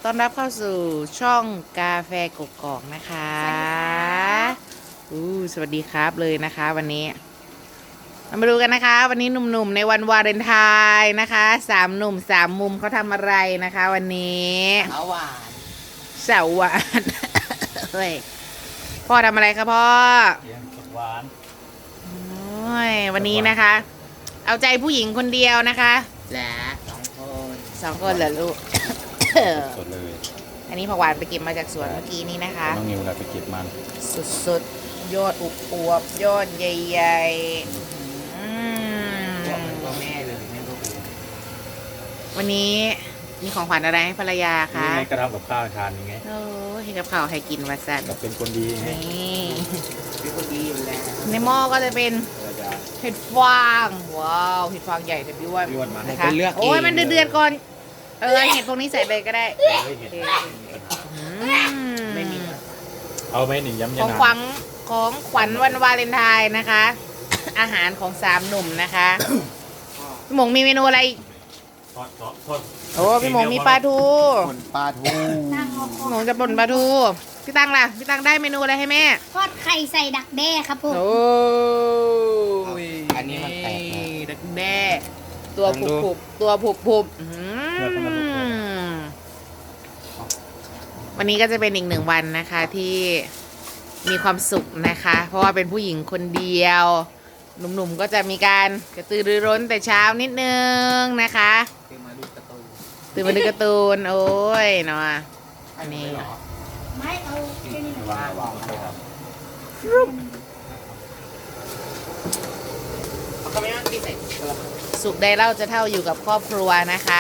ต้อนรับเข้าสู่ช่องกาแฟกกอกนะคะสวัสดีครับเลยนะคะวันนี้เรามาดูกันนะคะวันนี้หนุ่มๆในวันวาเลนไทน์นะคะ3 หนุ่ม3 มุมเขาทำอะไรนะคะวันนี้สาวหวานสาวหวานเฮ้ยพ่อทำอะไรครับพ่อเลี้ยงหวานโอ้ยวันนี้นะคะ เอาใจผู้หญิงคนเดียวนะคะและ2 คนเหรอลูกสดเลยอันนี้ผักหวานไปเก็บมาจากสวนเมื่อกี้นี้นะคะน้องนิวเราไปเก็บมันสุดๆยอดอวบยอดใหญ่ก็แม่เลยแม่ก็คือวันนี้มีของขวัญอะไรให้ภรรยาคะนี่ไงกระทำกับข้าวทานยังไงโอ้ให้กับข้าวให้กินวัสันเราเป็นคนดีไงนี่เป็นคนดีอยู่แล้วในหม้อก็จะเป็นเห็ดฟางว้าวเห็ดฟางใหญ่แต่พี่ว่านะคะโอ้ยมันเดือดก่อนเห็ดพวกนี้ใส่เลยก็ได้ไม่มีเอาไหมหนึ่งย้ำของขวัญวันวาเลนไทน์นะคะ อาหารของ3 หนุ่มนะคะพี่หมงมีเมนูอะไรโอ้พี่หมงมีปลาทูปลาทูพี่หมงจะป่นปลาทูพี่ตังล่ะพี่ตังได้เมนูอะไรให้แม่ทอดไข่ใส่ดักแด้ครับผมโอ้ยอันนี้มันแตกดักแด้ตัวผุบวันนี้ก็จะเป็นอีก1 วันนะคะที่มีความสุขนะคะ เพราะว่าเป็นผู้หญิงคนเดียวหนุ่มๆก็จะมีการกระตือรือร้นแต่เช้านิดนึงนะคะตื่นมาดูการ์ตูนโอ้ยเนาะอันนี้ไม่เอาแค่นี้นะสุขใดเล่าจะเท่าอยู่กับครอบครัวนะคะ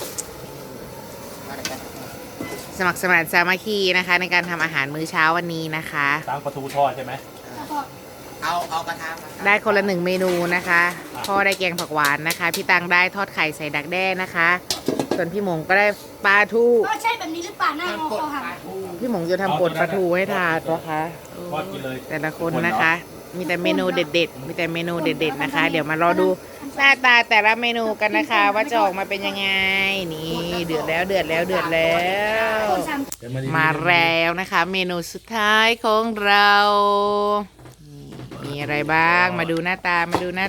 สมัครสมานสามัคคีนะคะในการทำอาหารมื้อเช้าวันนี้นะคะตั้งปลาทูทอดใช่ไหมเอากระทะได้คนละ1 เมนูนะคะพ่อได้แกงผักหวานนะคะพี่ตังได้ทอดไข่ใส่ดักแด้นะคะส่วนพี่หมงก็ได้ปลาทูใช่แบบนี้หรือเปล่าหน้างอคอหักพี่หมงจะทำป่นปลาทูให้ทานนะคะแต่ละคนนะคะมีแต่เมนูเด็ดๆนะคะเดี๋ยวมารอดูหน้าตาแต่ละเมนูกันนะคะว่าจะออกมาเป็นยังไงนี่เดือดแล้วมาแล้วนะคะเมนูสุดท้ายของเรามีอะไรบ้างมาดูหน้าตา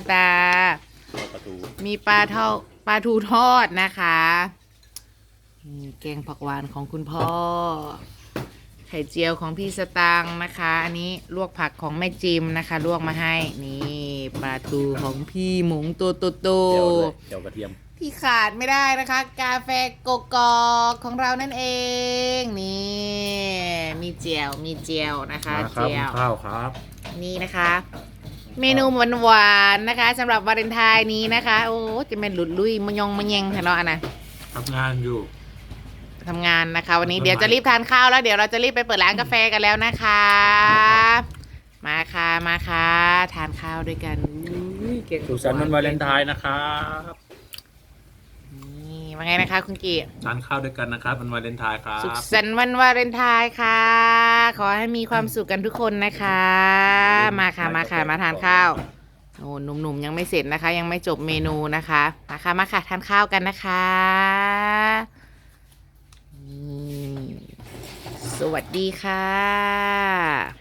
มีปลาทูทอดนะคะแกงผักหวานของคุณพ่อไข่เจียวของพี่สตางค์นะคะอันนี้ลวกผักของแม่จิมนะคะลวกมาให้นี่ปลาทูของพี่หมงตัวโตเจียวกระเทียมที่ขาดไม่ได้นะคะกาแฟกกอกของเรานั่นเองนี่มีเจียวนะคะเจียวข้าวครับนี่นะคะเมนูหวานๆนะคะสำหรับวาเลนไทน์นี้นะคะโอ้จะเป็นหลุดลุยมะยงเนาะนะทำงานนะคะวันนี้เดี๋ยวจะรีบทานข้าวแล้วเดี๋ยวเราจะรีบไปเปิดร้านกาแฟกันแล้วนะคะมาค่ะทานข้าวด้วยกันสุขสันต์วันวาเลนไทน์นะครับนี่ว่าไงนะคะคุณกีทานข้าวด้วยกันนะครับวันวาเลนไทน์ครับสุขสันต์วันวาเลนไทน์ค่ะขอให้มีความสุขกันทุกคนนะคะมาทานข้าวโอ้หนุ่มๆยังไม่เสร็จนะคะยังไม่จบเมนูนะคะมาค่ะทานข้าวกันนะคะสวัสดีค่ะ